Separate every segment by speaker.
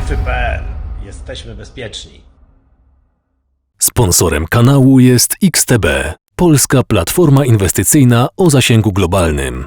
Speaker 1: Strefy.pl. Jesteśmy bezpieczni.
Speaker 2: Sponsorem kanału jest XTB, polska platforma inwestycyjna o zasięgu globalnym.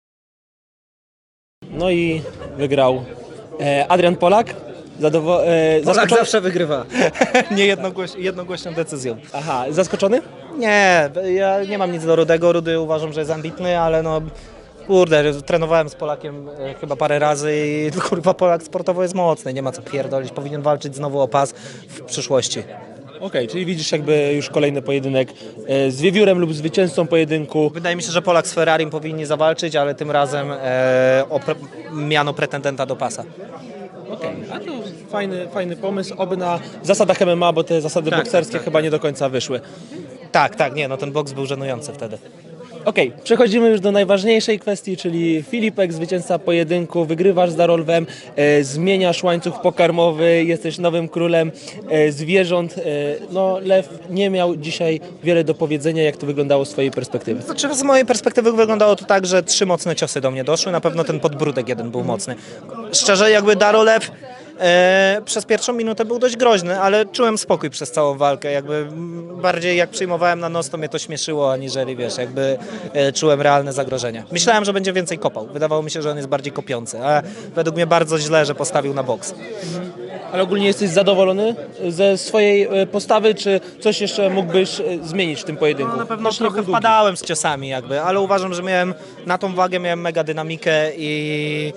Speaker 3: No i wygrał Adrian Polak.
Speaker 4: Polak zawsze wygrywa.
Speaker 3: Nie jednogłośną decyzją. Aha, zaskoczony?
Speaker 4: Nie, ja nie mam nic do Rudego. Rudy uważam, że jest ambitny, ale no kurde, trenowałem z Polakiem chyba parę razy i kurwa Polak sportowo jest mocny, nie ma co pierdolić, powinien walczyć znowu o pas w przyszłości.
Speaker 3: Okej, czyli widzisz jakby już kolejny pojedynek z wiewiórem lub zwycięzcą pojedynku.
Speaker 4: Wydaje mi się, że Polak z Ferrarim powinni zawalczyć, ale tym razem o miano pretendenta do pasa.
Speaker 3: Okej, a to fajny pomysł, oby na zasadach MMA, bo te zasady bokserskie chyba nie do końca wyszły.
Speaker 4: Tak, nie, no ten boks był żenujący wtedy.
Speaker 3: Okej, przechodzimy już do najważniejszej kwestii, czyli Filipek, zwycięzca pojedynku, wygrywasz z Darolwem, zmieniasz łańcuch pokarmowy, jesteś nowym królem zwierząt. No, Lew nie miał dzisiaj wiele do powiedzenia, jak to wyglądało z twojej perspektywy.
Speaker 4: Znaczy, z mojej perspektywy wyglądało to tak, że 3 mocne ciosy do mnie doszły, na pewno ten podbródek jeden był mocny. Szczerze, jakby Darolew przez pierwszą minutę był dość groźny, ale czułem spokój przez całą walkę, jakby bardziej jak przyjmowałem na nos, to mnie to śmieszyło, aniżeli wiesz, jakby czułem realne zagrożenie. Myślałem, że będzie więcej kopał, wydawało mi się, że on jest bardziej kopiący, a według mnie bardzo źle, że postawił na boks.
Speaker 3: Ale ogólnie jesteś zadowolony ze swojej postawy, czy coś jeszcze mógłbyś zmienić w tym pojedynku?
Speaker 4: No, na pewno
Speaker 3: Też nie
Speaker 4: trochę
Speaker 3: był długi.
Speaker 4: wpadałem z ciosami jakby, ale uważam, że miałem na tą wagę miałem mega dynamikę i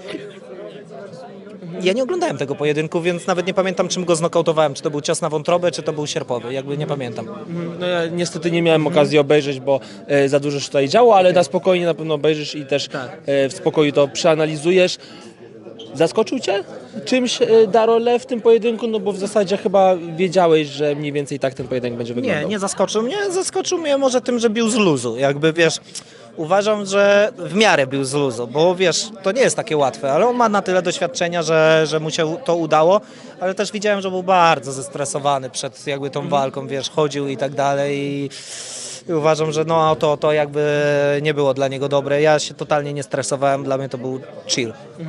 Speaker 4: ja nie oglądałem tego pojedynku, więc nawet nie pamiętam, czym go znokautowałem, czy to był cios na wątrobę, czy to był sierpowy, jakby nie pamiętam.
Speaker 3: No ja niestety nie miałem okazji obejrzeć, bo za dużo się tutaj działo, ale na spokojnie na pewno obejrzysz i też w spokoju to przeanalizujesz. Zaskoczył cię czymś Darolew w tym pojedynku? No bo w zasadzie chyba wiedziałeś, że mniej więcej tak ten pojedynek będzie wyglądał.
Speaker 4: Nie zaskoczył mnie. Zaskoczył mnie może tym, że bił z luzu. Jakby wiesz, uważam, że w miarę bił z luzu, bo wiesz, to nie jest takie łatwe, ale on ma na tyle doświadczenia, że mu się to udało, ale też widziałem, że był bardzo zestresowany przed jakby tą walką, wiesz, chodził i tak dalej i uważam, że no to jakby nie było dla niego dobre. Ja się totalnie nie stresowałem, dla mnie to był chill.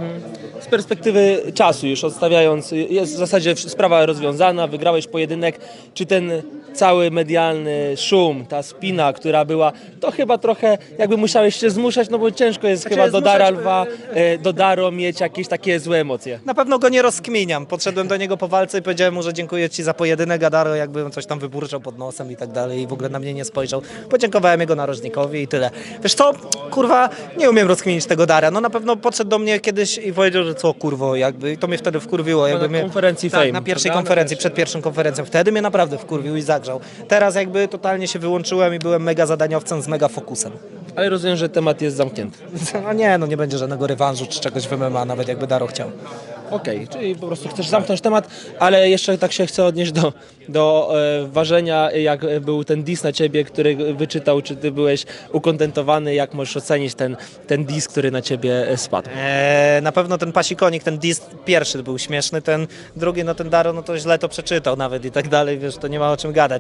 Speaker 3: Z perspektywy czasu już odstawiając, jest w zasadzie sprawa rozwiązana, wygrałeś pojedynek. Czy ten cały medialny szum, ta spina, która była, to chyba trochę jakby musiałeś się zmuszać, no bo ciężko jest chyba do Daralwa, do Daro mieć jakieś takie złe emocje.
Speaker 4: Na pewno go nie rozkminiam. Podszedłem do niego po walce i powiedziałem mu, że dziękuję ci za pojedynek, a Daro jakby coś tam wyburczał pod nosem i tak dalej i w ogóle na mnie nie spojrzał. Podziękowałem jego narożnikowi i tyle. Wiesz co, kurwa, nie umiem rozkminić tego Dara. No na pewno podszedł do mnie kiedyś i powiedział, że co kurwo, jakby i to mnie wtedy wkurwiło. Jakby
Speaker 3: na konferencji
Speaker 4: tak,
Speaker 3: Fame,
Speaker 4: na pierwszej
Speaker 3: prawda?
Speaker 4: konferencji, przed pierwszą konferencją. Wtedy mnie naprawdę wkurwił i zagrzał. Teraz jakby totalnie się wyłączyłem i byłem mega zadaniowcem z mega fokusem.
Speaker 3: Ale rozumiem, że temat jest zamknięty.
Speaker 4: No nie będzie żadnego rewanżu czy czegoś w MMA, nawet jakby Daro chciał.
Speaker 3: Okej, czyli po prostu chcesz zamknąć temat, ale jeszcze tak się chcę odnieść do ważenia, jak był ten diss na ciebie, który wyczytał, czy ty byłeś ukontentowany, jak możesz ocenić ten diss, który na ciebie spadł?
Speaker 4: Na pewno ten pasikonik, ten diss pierwszy był śmieszny, ten drugi, no ten Daro, no to źle to przeczytał nawet i tak dalej, wiesz, to nie ma o czym gadać.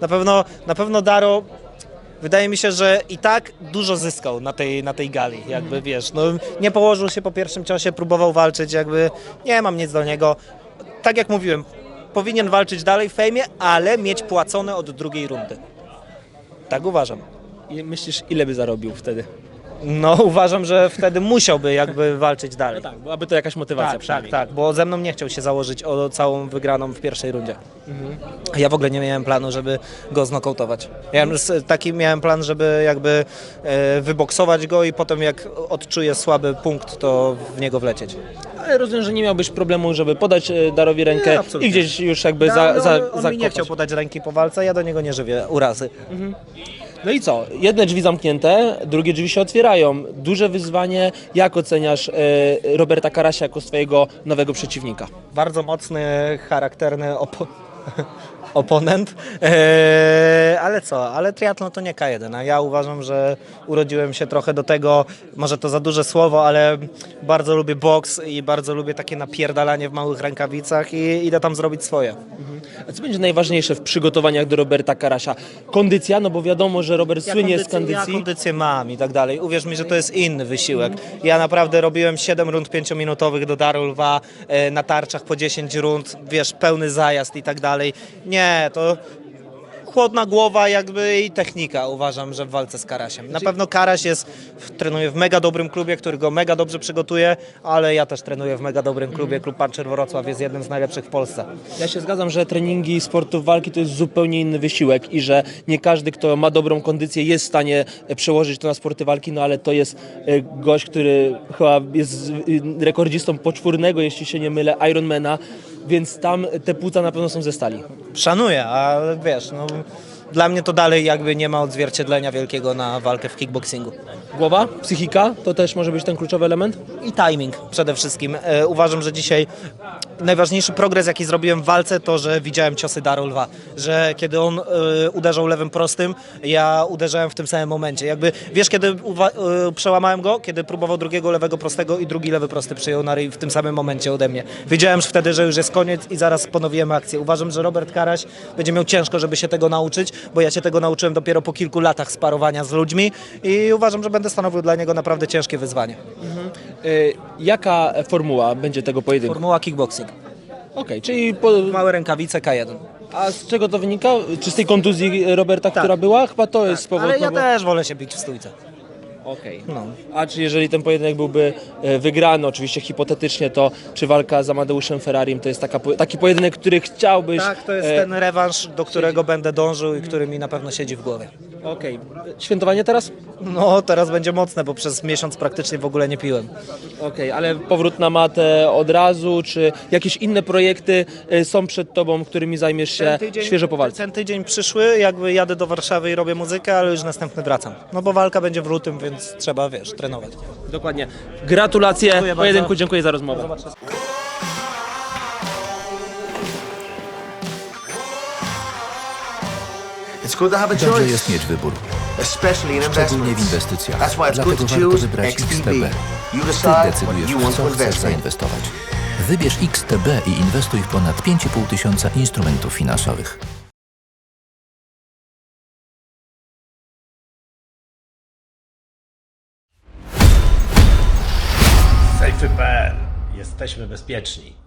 Speaker 4: Na pewno Daro, wydaje mi się, że i tak dużo zyskał na tej gali, jakby wiesz, no nie położył się po pierwszym ciosie, próbował walczyć, jakby nie mam nic do niego. Tak jak mówiłem, powinien walczyć dalej w fejmie, ale mieć płacone od drugiej rundy. Tak uważam.
Speaker 3: I myślisz, ile by zarobił wtedy?
Speaker 4: No uważam, że wtedy musiałby jakby walczyć dalej.
Speaker 3: Tak, byłaby to jakaś motywacja przynajmniej.
Speaker 4: Tak, bo ze mną nie chciał się założyć o całą wygraną w pierwszej rundzie. Ja w ogóle nie miałem planu, żeby go znokautować. Taki miałem plan, żeby jakby wyboksować go i potem jak odczuję słaby punkt, to w niego wlecieć.
Speaker 3: Ale rozumiem, że nie miałbyś problemu, żeby podać Darowi rękę
Speaker 4: Nie, absolutnie.
Speaker 3: i gdzieś już jakby
Speaker 4: On mi nie chciał podać ręki po walce, ja do niego nie żywię urazy.
Speaker 3: No i co? Jedne drzwi zamknięte, drugie drzwi się otwierają. Duże wyzwanie. Jak oceniasz Roberta Karasia jako swojego nowego przeciwnika?
Speaker 4: Bardzo mocny, charakterny oponent, ale co, ale triatlon to nie K1, a ja uważam, że urodziłem się trochę do tego, może to za duże słowo, ale bardzo lubię boks i bardzo lubię takie napierdalanie w małych rękawicach i idę tam zrobić swoje.
Speaker 3: A co będzie najważniejsze w przygotowaniach do Roberta Karasia? Kondycja, no bo wiadomo, że Robert słynie z
Speaker 4: Ja
Speaker 3: kondycji.
Speaker 4: kondycję mam i tak dalej. Uwierz mi, że to jest inny wysiłek. Ja naprawdę robiłem 7 rund 5-minutowych do Daru Lwa, na tarczach po 10 rund, wiesz, pełny zajazd i tak dalej. Nie, to chłodna głowa jakby i technika, uważam, że w walce z Karasiem. Na pewno Karaś trenuje w mega dobrym klubie, który go mega dobrze przygotuje, ale ja też trenuję w mega dobrym klubie. Klub Puncher Wrocław jest jednym z najlepszych w Polsce.
Speaker 3: Ja się zgadzam, że treningi sportów walki to jest zupełnie inny wysiłek i że nie każdy, kto ma dobrą kondycję, jest w stanie przełożyć to na sporty walki, no ale to jest gość, który chyba jest rekordzistą poczwórnego, jeśli się nie mylę, Ironmana, więc tam te płuca na pewno są ze stali.
Speaker 4: Szanuję, ale wiesz, no, dla mnie to dalej jakby nie ma odzwierciedlenia wielkiego na walkę w kickboxingu.
Speaker 3: Głowa, psychika, to też może być ten kluczowy element?
Speaker 4: I timing przede wszystkim. Uważam, że dzisiaj najważniejszy progres, jaki zrobiłem w walce, to, że widziałem ciosy Daru Lwa. Że kiedy on uderzał lewym prostym, ja uderzałem w tym samym momencie. Jakby, wiesz, kiedy przełamałem go, kiedy próbował drugiego lewego prostego i drugi lewy prosty przyjął na ryj w tym samym momencie ode mnie. Wiedziałem już wtedy, że już jest koniec i zaraz ponowiłem akcję. Uważam, że Robert Karaś będzie miał ciężko, żeby się tego nauczyć, bo ja się tego nauczyłem dopiero po kilku latach sparowania z ludźmi i uważam, że będę stanowił dla niego naprawdę ciężkie wyzwanie.
Speaker 3: Jaka formuła będzie tego pojedynku?
Speaker 4: Formuła kickboxing.
Speaker 3: Okej, czyli
Speaker 4: Małe rękawice K1.
Speaker 3: a z czego to wynika? Czy z tej kontuzji Roberta, która była? Chyba to jest powód.
Speaker 4: Ale ja
Speaker 3: no bo...
Speaker 4: też wolę się bić w stójce.
Speaker 3: Okej.
Speaker 4: No.
Speaker 3: A czy jeżeli ten pojedynek byłby wygrany, oczywiście hipotetycznie, to czy walka z Amadeuszem Ferrarim to jest taki pojedynek, który chciałbyś...
Speaker 4: Tak, to jest ten rewanż, do którego będę dążył i który mi na pewno siedzi w głowie.
Speaker 3: Okej. Świętowanie teraz?
Speaker 4: No, teraz będzie mocne, bo przez miesiąc praktycznie w ogóle nie piłem.
Speaker 3: Okej, ale powrót na matę od razu, czy jakieś inne projekty są przed tobą, którymi zajmiesz się świeżo po walce?
Speaker 4: Ten tydzień przyszły, jakby jadę do Warszawy i robię muzykę, ale już następny wracam. No bo walka będzie w lutym, więc trzeba, wiesz, trenować.
Speaker 3: Dokładnie. Gratulacje
Speaker 4: Dziękuję
Speaker 3: pojedynku,
Speaker 4: bardzo.
Speaker 3: dziękuję za rozmowę.
Speaker 5: It's good to have a
Speaker 6: Dobrze
Speaker 5: choice,
Speaker 6: jest mieć wybór,
Speaker 5: especially in
Speaker 6: szczególnie w
Speaker 5: investments.
Speaker 6: inwestycjach.
Speaker 5: That's why it's good
Speaker 6: Dlatego
Speaker 5: to
Speaker 6: warto
Speaker 5: choose
Speaker 6: wybrać
Speaker 5: XTB.
Speaker 6: XTB.
Speaker 5: You
Speaker 6: Ty
Speaker 5: decide what
Speaker 6: decydujesz,
Speaker 5: you
Speaker 6: w
Speaker 5: want
Speaker 6: co
Speaker 5: to
Speaker 6: chcesz
Speaker 5: invest in.
Speaker 6: zainwestować. Wybierz XTB i inwestuj w ponad 5,5 tysiąca instrumentów finansowych.
Speaker 1: Safety.pl. Jesteśmy bezpieczni.